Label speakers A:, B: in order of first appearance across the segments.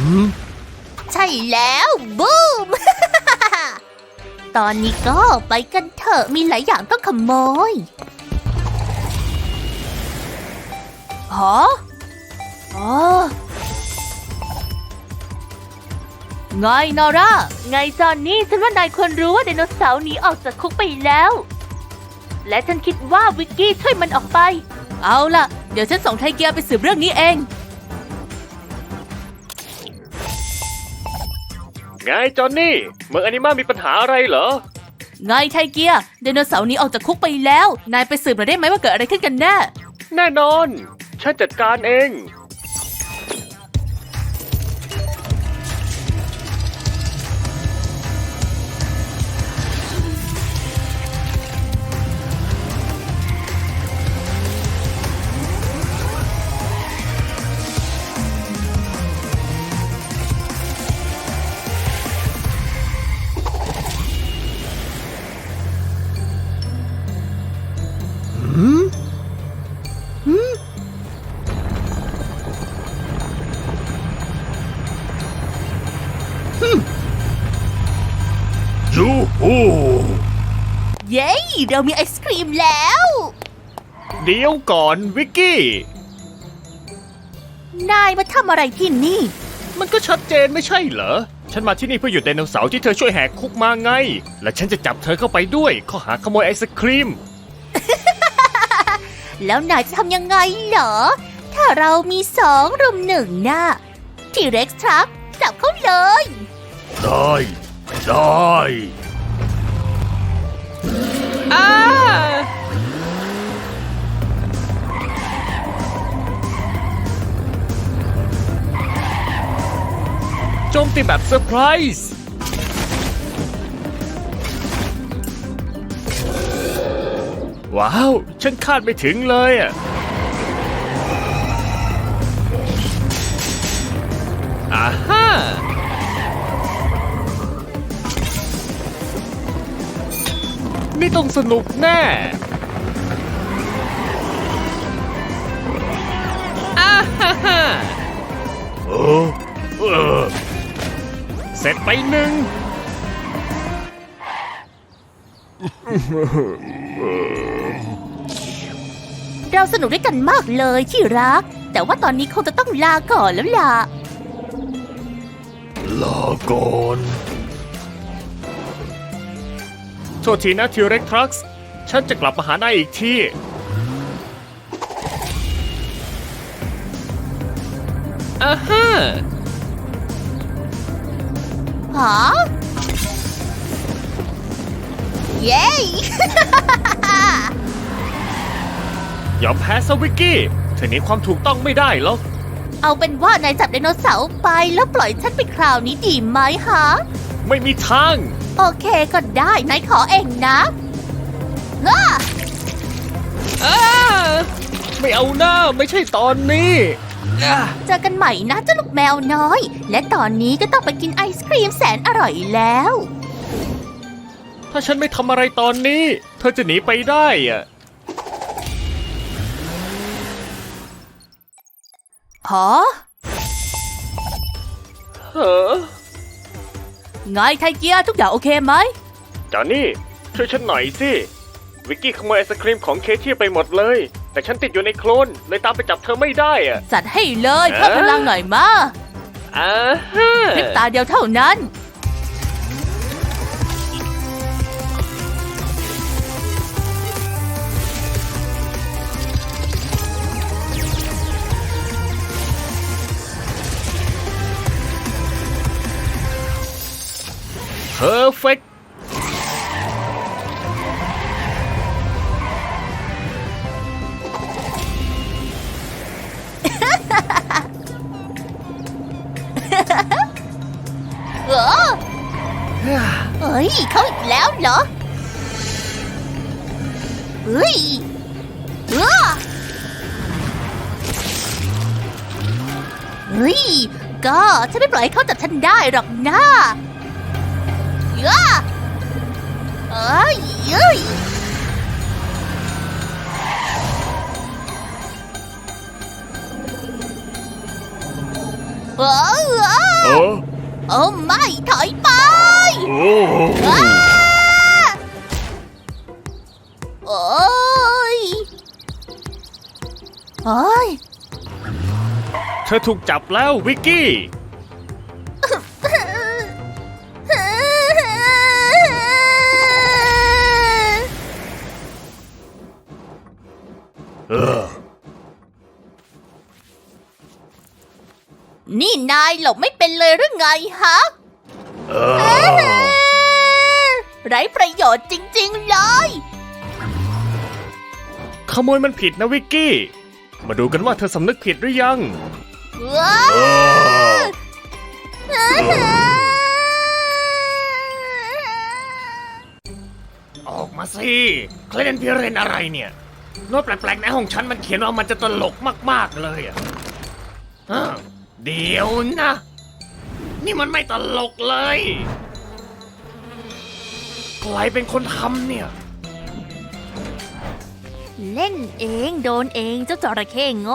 A: ใช่แล้วบูม ตอนนี้ก็ไปกันเถอะมีหลายอย่างต้องขโมยฮะอ๋อไงนอร่าไงจอนนี่ฉันว่านายควรรู้ว่าไดโนเสาร์หนีออกจากคุกไปแล้วและฉันคิดว่าวิกกี้ช่วยมันออกไปเอาล่ะเดี๋ยวฉันส่งไทเกียร์ไปสืบเรื่องนี้เอง
B: ไงจอนนี่เมืองอนิมามีปัญหาอะไรเหรอ
A: ไงไทเกียร์ไดโนเสาร์หนีออกจากคุกไปแล้วนายไปสืบหน่อยได้ไหมว่าเกิดอะไรขึ้นกันแน่
B: แน่นอนฉันจัดการเอง
C: ยูฮู
A: เย้เรามีไอศครีมแล้ว
B: เดี๋ยวก่อนวิกกี้
A: นายมาทำอะไรที่นี่
B: มันก็ชัดเจนไม่ใช่เหรอฉันมาที่นี่เพื่อหยุดไดโนเสาร์ที่เธอช่วยแหกคุกมาไงและฉันจะจับเธอเข้าไปด้วยข้อหาขโมยไอศครีม
A: แล้วนายจะทำยังไงเหรอถ้าเรามี2 รุม 1น่ะที่เร็กซ์ทรัคจับเขาเลย
C: ได้
B: โจมตีแบบเซอร์ไพรส์ว้าวฉันคาดไม่ถึงเลยอ่ะอ่าฮะนี่ต้องสนุกแน่อ่าฮ่าฮ่าเสร็จไป1
A: เราสนุกด้วยกันมากเลยที่รักแต่ว่าตอนนี้คงจะต้องลาก่อนแล้วล่ะ
C: ลาก่อน
B: โทษทีนะทิวเร็กทรัคส์ฉันจะกลับมาหานายอีกทีอ่าฮะ
A: ฮะเย้
B: ยอมแพ้ซะวิกกี้เธอหนีความถูกต้องไม่ได้หรอก
A: เอาเป็นว่านายจับไดโนเสาร์ไปแล้วปล่อยฉันไปคราวนี้ดีไหมฮะ
B: ไม่มีทาง
A: โอเคก็ได้นายขอเองนะ
B: ไม่เอาหน้าไม่ใช่ตอนนี้
A: เจอกันใหม่นะเจ้าลูกแมวน้อยและตอนนี้ก็ต้องไปกินไอศครีมแสนอร่อยแล้ว
B: ถ้าฉันไม่ทำอะไรตอนนี้เธอจะหนีไปได้อะ
A: ฮะไงไทเกียร์ทุกอย่างโอเคไหม
B: จอนนี่ช่วยฉันหน่อยสิวิกกี้ขโมยไอศครีมของเคที่ไปหมดเลยแต่ฉันติดอยู่ในโคลนเลยตามไปจับเธอไม่ได้อะ
A: จัดให้เลยเพิ่มพลังหน่อยมาพริบตาเดียวเท่านั้น
B: เพอร์เฟกต์
A: เฮ้ยเขาอีกแล้วเหรอเฮ้ยเฮ้ยก็ฉันไม่ปล่อยให้เขาจับฉันได้หรอกนะเอ้ยโอ้ไม่ถอยไป
C: โอ้
A: โอ้ยโอ้ย
B: เธอถูกจับแล้ววิกกี้
C: เออ
A: นี่นายหลบไม่เป็นเลยหรือไงฮะ
C: เออ
A: ไร้ประโยชน์จริงๆเลย
B: ขโมยมันผิดนะวิกกี้ มาดูกันว่าเธอสำนึกผิดหรือยัง
A: ว้า
C: เออ
B: ออกมาสิเคลเดนพิเรนอะไรเนี่ยโน้ตแปลกๆในห้องฉันมันเขียนว่ามันจะตลกมากๆเลยอ่ะเดี๋ยวนะ นี่มันไม่ตลกเลยใครเป็นคนทำเนี่ย
A: เล่นเองโดนเองเจ้าจระเข้โง่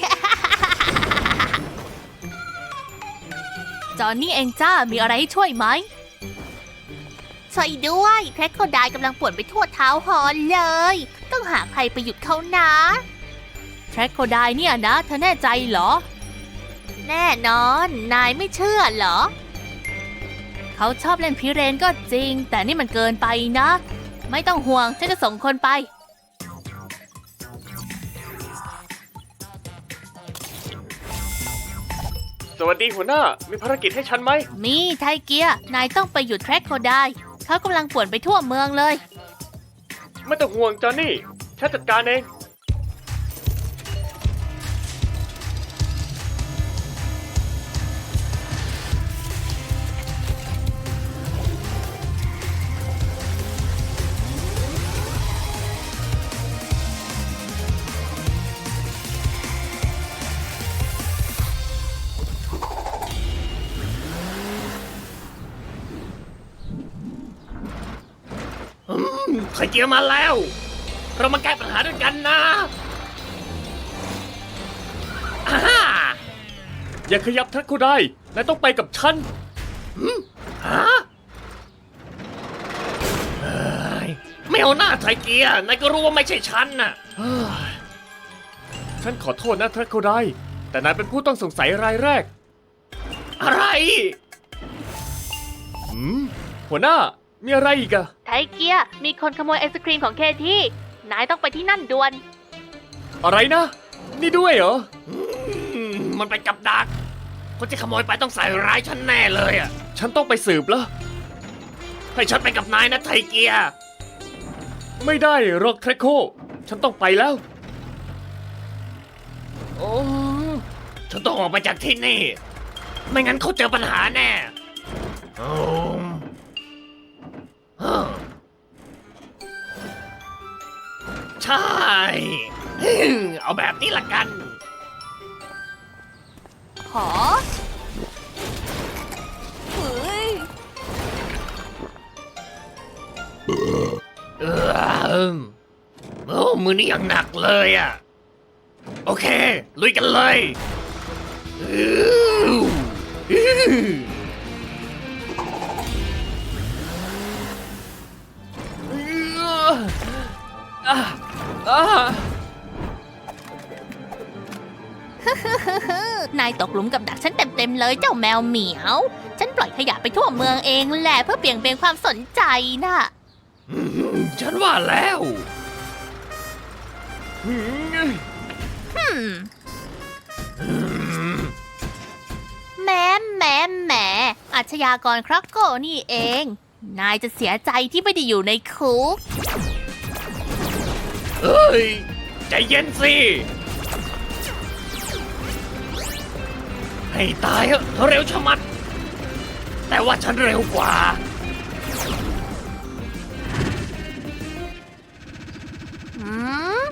A: จอนนี่เองจ้ามีอะไรให้ช่วยไหมช่วยด้วยแครคโคไดล์กำลังป่วนไปทั่วเท้าฮอนเลย ต้องหาใครไปหยุดเขานะแครคโคไดล์เนี่ยนะเธอแน่ใจเหรอ แน่นอนนายไม่เชื่อเหรอ เขาชอบเล่นพิเรนก็จริง แต่นี่มันเกินไปนะ ไม่ต้องห่วงฉันจะส่งคนไป
B: สวัสดีหัวหน้า มีภารกิจให้ฉันไหม
A: มีไทเกียร์นายต้องไปหยุดแทร็กโคไดล์เขากำลังป่วนไปทั่วเมืองเลย
B: ไม่ต้องห่วงจอห์นนี่ ฉันจัดการเอง ไข่เจียวมาแล้ว เรามาแก้ปัญหาด้วยกันนะอ่าฮ่าอย่าขยับทักกูได้นายต้องไปกับฉันฮะเฮ้ยไม่เอาหน้าไทเกียร์นายก็รู้ว่าไม่ใช่ฉันน่ะเฮ้ยฉันขอโทษนะทักกูได้แต่นายเป็นผู้ต้องสงสัยรายแรก อะไรหัวหน้ามีอะไรอีกอะ
A: ไทเกียร์มีคนขโมยไอศครีมของเคที่นายต้องไปที่นั่นด่วน
B: อะไรนะ นี่ด้วยเหรอ มันเป็นกับดัก คนที่ขโมยไปต้องใส่ร้ายฉันแน่เลยอ่ะ ฉันต้องไปสืบแล้ว ให้ฉันไปกับนายนะไทเกีย ไม่ได้หรอกแครโค ฉันต้องไปแล้ว โอ้ฉันต้องออกไปจากที่นี่ ไม่งั้นเขาเจอปัญหาแน่โอ้ใช่ เอาแบบนี้ละกัน
A: ขอเฮ้ย
B: โอ้มือนี้ยังหนักเลยอ่ะ โอเค ลุยกันเลย
A: นายตกหลุมกับดักฉันเต็มๆเลยเจ้าแมวเหมียว ฉันปล่อยขยะไปทั่วเมืองเองแหละเพื่อเบี่ยงเบนความสนใจน่ะ
B: ฉันว่าแล้ว
A: แหมอาชญากรครักโกนี่เอง นายจะเสียใจที่ไม่ได้อยู่ในคุก
B: เฮ้ย ใจเย็นสิ ให้ตายเถอะเร็วชะมัด แต่ว่าฉันเร็วกว่า
A: หืม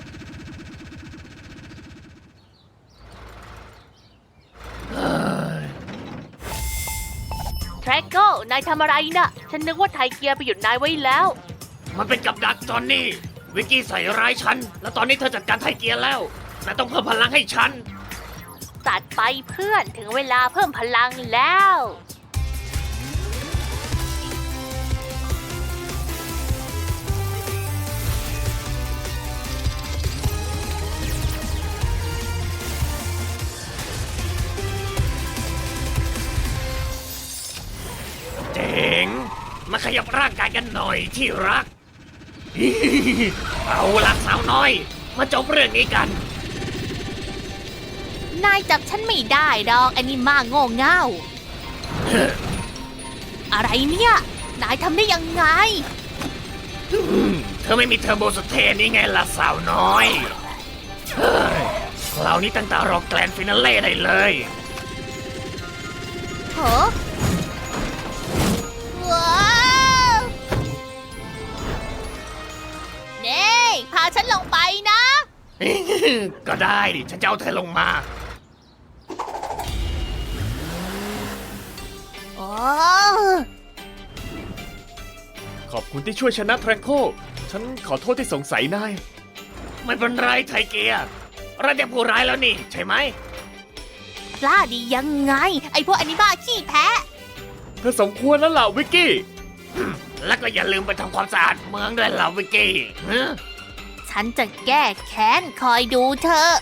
A: แทร็กโกนายทำอะไรน่ะ ฉันนึกว่าไทเกียร์ไปหยุดนายไว้แล้ว
B: มันเป็นกับดักจอนนี่ วิกกี้ใส่ร้ายฉัน แล้วตอนนี้เธอจัดการไทเกียร์แล้วนายต้องเพิ่มพลังให้ฉัน
A: จัดไปเพื่อนถึงเวลาเพิ่มพลังแล้ว
B: เจ๋ง มาขยับร่างกายกันหน่อยที่รัก เอาละสาวน้อย มาจบเรื่องนี้กัน
A: นายจับฉันไม่ได้ดอกอันนี้มาโง่เง่า อะไรเนี่ย นายทำได้ยังไง
B: เธอไม่มีเทอร์โบสเตนนี่ไงล่ะสาวน้อย เฮ้ยคราวนี้ตั้งแต่รอแกลนด์ฟินาเล่ได้เลย
A: เหรอว้าวเน่พาฉันลงไปนะ
B: ก็ได้ดิ ฉันจะเอาเธอลงมา
A: โอ้
B: ขอบคุณที่ช่วยชนะแทร็กโค ฉันขอโทษที่สงสัยนาย ไม่เป็นไรไทเกียร์เราจะผู้ร้ายแล้วนี่ ใช่ไหม
A: กล้าดียังไง ไอพวกอนิบ้าขี้แพ้
B: เธอสมควรแล้วล่ะวิกกี้ แล้วก็อย่าลืมไปทำความสะอาดเมืองด้วยล่ะวิกกี้ฮะ
A: ฉันจะแก้แค้นคอยดูเธอ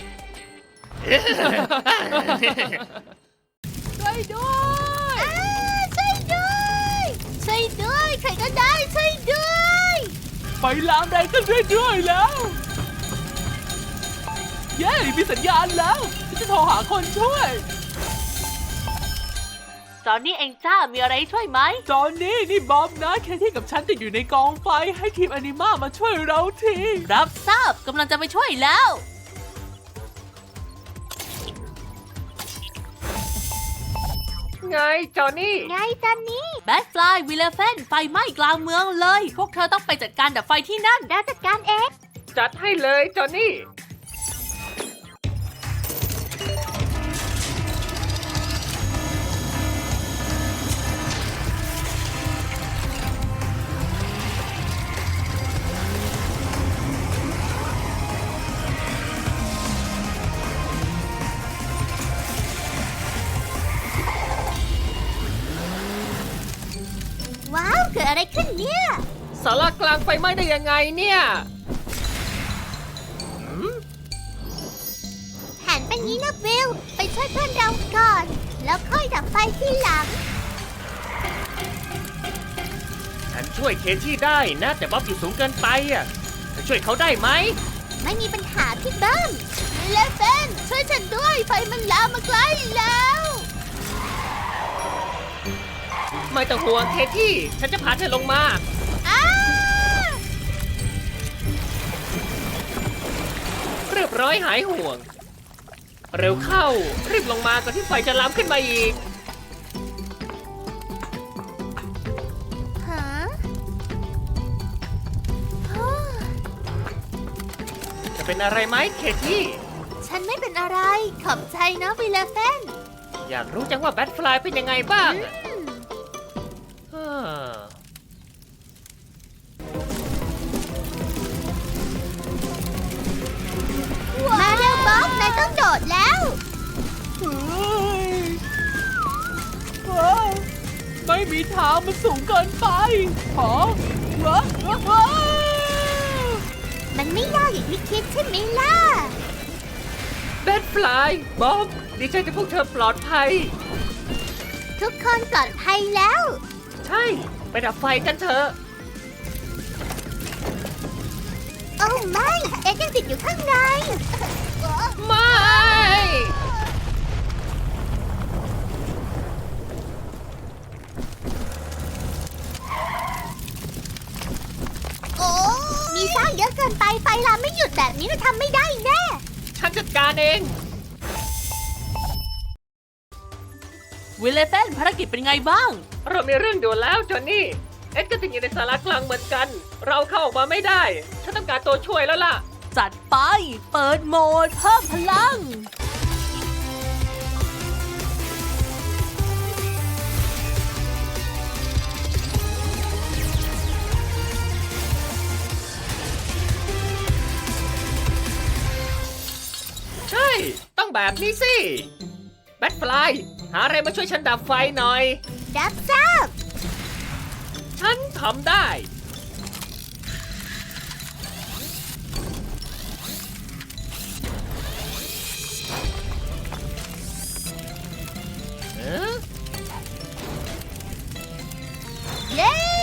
A: ช่วยด้วยช่วยด้วยช่วยด้วยใครก็ได้ช่วยด้วย
D: ไฟลามแรงขึ้นเรื่อยๆแล้ว เย้ มีสัญญาณแล้วฉันจะโทรหาคนช่วย
A: จอนนี่เองจ้ามีอะไรช่วยไหม
D: จอนนี่บอมนะแคที่กับฉันติดอยู่ในกองไฟให้ทีมอนิมามาช่วยเราที
A: รับทราบกำลังจะไปช่วยแล้ว
B: ไงจอนี่
A: ไงจอนนี่แบทฟลายวิลเลฟนไฟไหม้กลางเมืองเลย พวกเธอต้องไปจัดการดับไฟที่นั่นได้จัดการเอง
B: จัดให้เลยจอนี่
A: ว้าว เกิดอะไรขึ้นเนี่ย
B: สารากลางไฟไหม้ได้ยังไงเนี่ย
A: แผนเป็นนี้นะวิลไปช่วยเพื่อนเราก่อน แล้วค่อยดับไฟที่หลัง
B: ฉันช่วยเคที่ได้นะ แต่บ๊อบอยู่สูงเกินไปอ่ะจะช่วยเขาได้ไหม
A: ไม่มีปัญหาพี่เบิ้มวิลเลฟนช่วยฉันด้วย ไฟมันลามมาใกล้แล้ว
B: ไม่ต้องห่วงเคที่ ฉันจะพาเธอลงมา
A: อ้า
B: เรียบร้อยหายห่วง เร็วเข้า รีบลงมาก่อนที่ไฟจะลามขึ้นมาอีก
A: ฮะ
B: จะเป็นอะไรไหมเคที่
A: ฉันไม่เป็นอะไร ขอบใจนะวิลเลฟน
B: อยากรู้จังว่าแบทฟลายเป็นยังไงบ้างอะฮ่า
A: มาเร็วบ๊อบนายต้องโดดแล้ว
D: ไม่มีทางมันสูงเกินไปหอว้าว
A: มันไม่ยากอย่างที่คิดใช่ไหมล่ะ
B: แบทฟลายบ๊อบดีใจที่พวกเธอปลอดภัย
A: ทุกคนปลอดภัยแล้ว
B: ใช่ ไปดับไฟกันเถอะ
A: โอ้ไม่ เอ็กยังติดอยู่ข้างใน
B: ไม่
A: โอ้มีสร้างเยอะเกินไป ไฟลามไม่หยุดแบบนี้เราทำไม่ได้แน่
B: ฉันจัดการเอง
D: วิลเลฟนภารกิจเป็นไงบ้าง
B: เรามีเรื่องด่วนแล้วจอนนี่ เอ็ดก็ติดอยู่ในสารากลางเหมือนกัน เราเข้าออกมาไม่ได้ ฉันต้องการตัวช่วยแล้วล่ะ
D: จัดไป เปิดโหมดเพิ่มพลัง
B: ใช่ ต้องแบบนี้สิ แบทฟลาย หาอะไรมาช่วยฉันดับไฟหน่อย
C: รับทราบ
B: ฉันทำได้ เอ๊ะ
C: เย้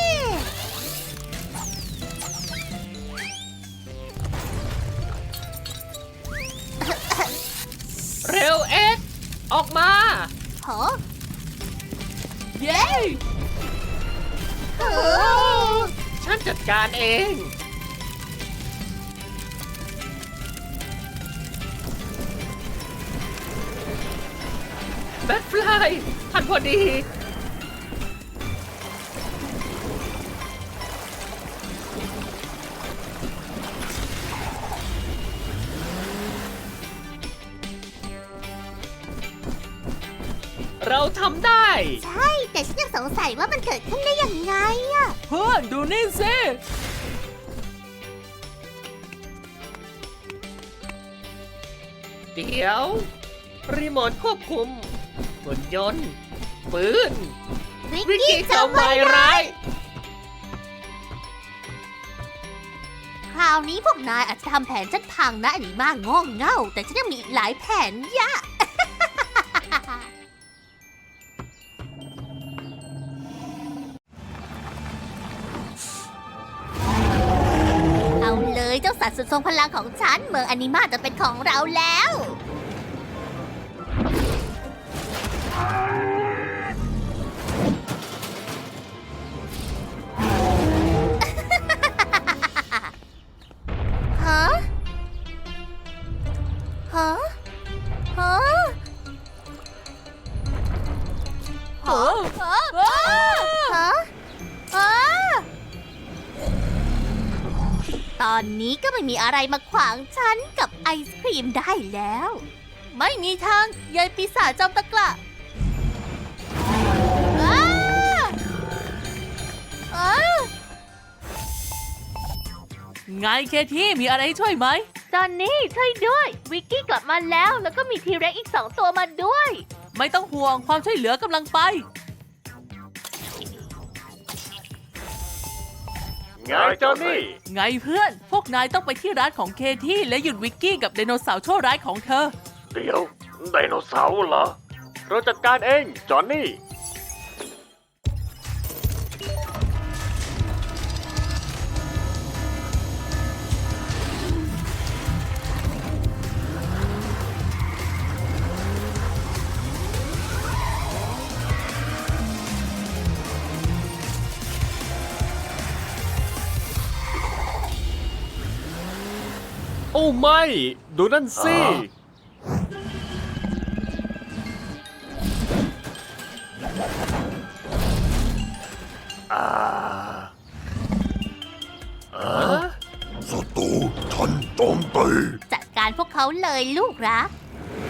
B: เร็วเอ็ดออกมา
C: โห
D: เย้
C: โอ้
B: ฉันจัดการเอง แบทฟลายทันพอดี เราทำได้
C: ใช่ แต่ฉันยังสงสัยว่ามันเกิดขึ้นได้ยังไงอะ
D: เพื่อนดูนี่สิ
B: เดี๋ยว รีโมทควบคุมหุ่นยนต์ ปืน
C: วิ
B: วิ
C: ก
B: ก
C: กี้
B: กี้
C: จะ
B: จะ
C: ไว้
B: วายร้าย
C: คราวนี้พวกนายอาจจะทำแผนฉันพังนะอันนี้มากงงเง่า แต่ฉันยังมีอีกหลายแผนยะ เอาเลยเจ้าสัตว์สุดทรงพลังของฉัน เมืองอนิมาจะเป็นของเราแล้ว ฮะ ฮะ ฮะ
D: เออ
C: ฮะ ฮะ ฮะ ตอนนี้ก็ไม่มีอะไรมาขวางฉันกับไอศครีมได้แล้ว ไม่มีทางยายปีศาจจอมตะกละอ้าอ้า
D: ไงเคที่มีอะไรให้ช่วยไหม
A: จอนนี่ช่วยด้วย วิกกี้กลับมาแล้ว แล้วก็มีทีเร็กอีก2 ตัวมาด้วย
D: ไม่ต้องห่วงความช่วยเหลือกำลังไป
B: ไงจอนนี่
D: ไงเพื่อน พวกนายต้องไปที่ร้านของเคที่และหยุดวิกกี้กับไดโนเสาร์ชั่วร้ายของเธอ
B: เดี๋ยว ไดโนเสาร์เหรอ เราจัดการเอง จอนนี่ โอ้ไม่ ดูนั่นสิ
E: ศัตรูฉันโจมตี
C: จัดการพวกเขาเลยลูกรัก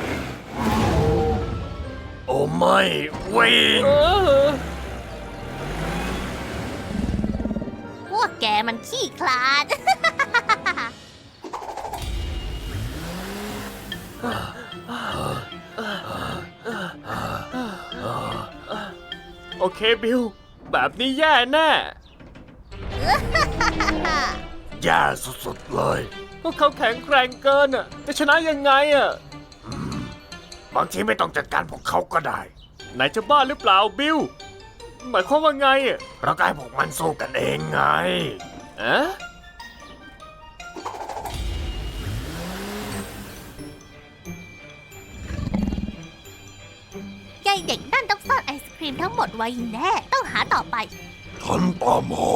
B: โอ้ไม่วิ่ง
C: พวกแกมันขี้คลาด
B: โอเคบิล แบบนี้แย่แน่
E: แย่สุดๆเลย
B: พวกเขาแข็งแกร่งเกินอ่ะ จะชนะยังไงอ่ะ
E: บางทีไม่ต้องจัดการพวกเขาก็ได้
B: นายจะบ้าหรือเปล่าบิล หมายความว่าไงอ่ะ
E: เราก็ให้พวกมันสู้กันเองไง
B: อะ
C: ยายเด็กนั่นต้องซ่อนไอศครีมทั้งหมดไว้แน่ ต้องหาต่อไป
E: ฉันตามหา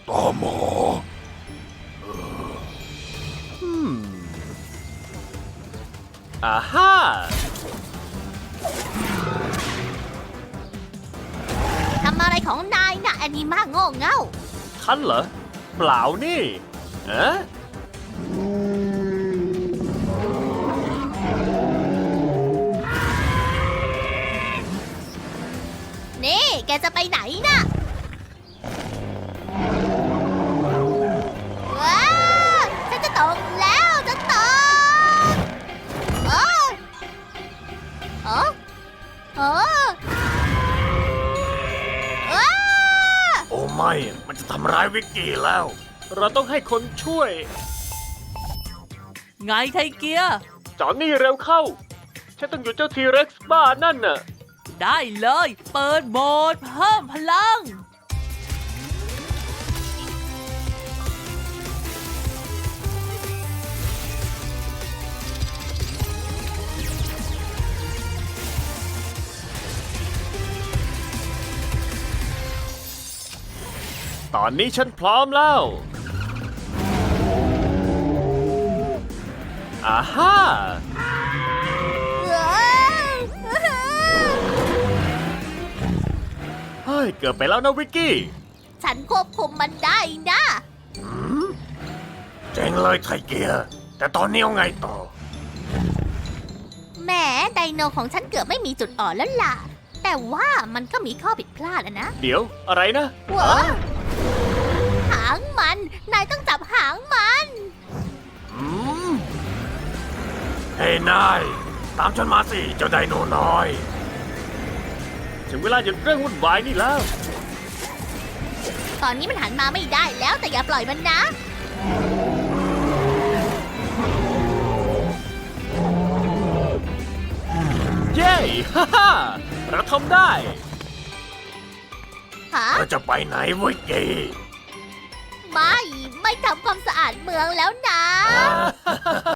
B: อ่าฮ่า
C: ทำอะไรของนายน่ะแอนิมาโง่เง่า
B: ฉันเหรอ เปล่านี่อะ
C: นี่ แกจะไปไหนน่ะ ว้าวฉันจะตกแล้วจะตกโอ้
B: ายวิกกี้แล้ว เราต้องให้คนช่วย
D: ไงไทเกีย
B: จอนนี่เร็วเข้า ฉันต้องหยุดเจ้าทีเร็กซ์บ้านั่นน่ะ
D: ได้เลย เปิดโหมดเพิ่มพลัง
B: ตอนนี้ฉันพร้อมแล้ว อาฮ่า เฮ้ย เกือบไปแล้วนะวิกกี้
C: ฉันควบคุมมันได้นะ
B: เจ๋งเลยไทเกียร์ แต่ตอนนี้เอาไงต่อ
C: แหมไดโนของฉันเกือบไม่มีจุดอ่อนแล้วล่ะ แต่ว่ามันก็มีข้อผิดพลาดอะนะ
B: เดี๋ยวอะไรนะ
C: หัวหางมัน นายต้องจับหางมัน
B: เฮ้ยนาย ตามฉันมาสิ เจ้าไดโนน้อย ถึงเวลาหยุดเรื่องวุ่นวายนี่แล้ว
C: ตอนนี้มันหันมาไม่ได้แล้วแต่อย่าปล่อยมันนะ
B: เย้ ฮ่าฮ่าเราทำได้
C: ฮะ
B: เราจะไปไหนวิกกี้
C: ไม่ทำความสะอาดเมืองแล้วนะ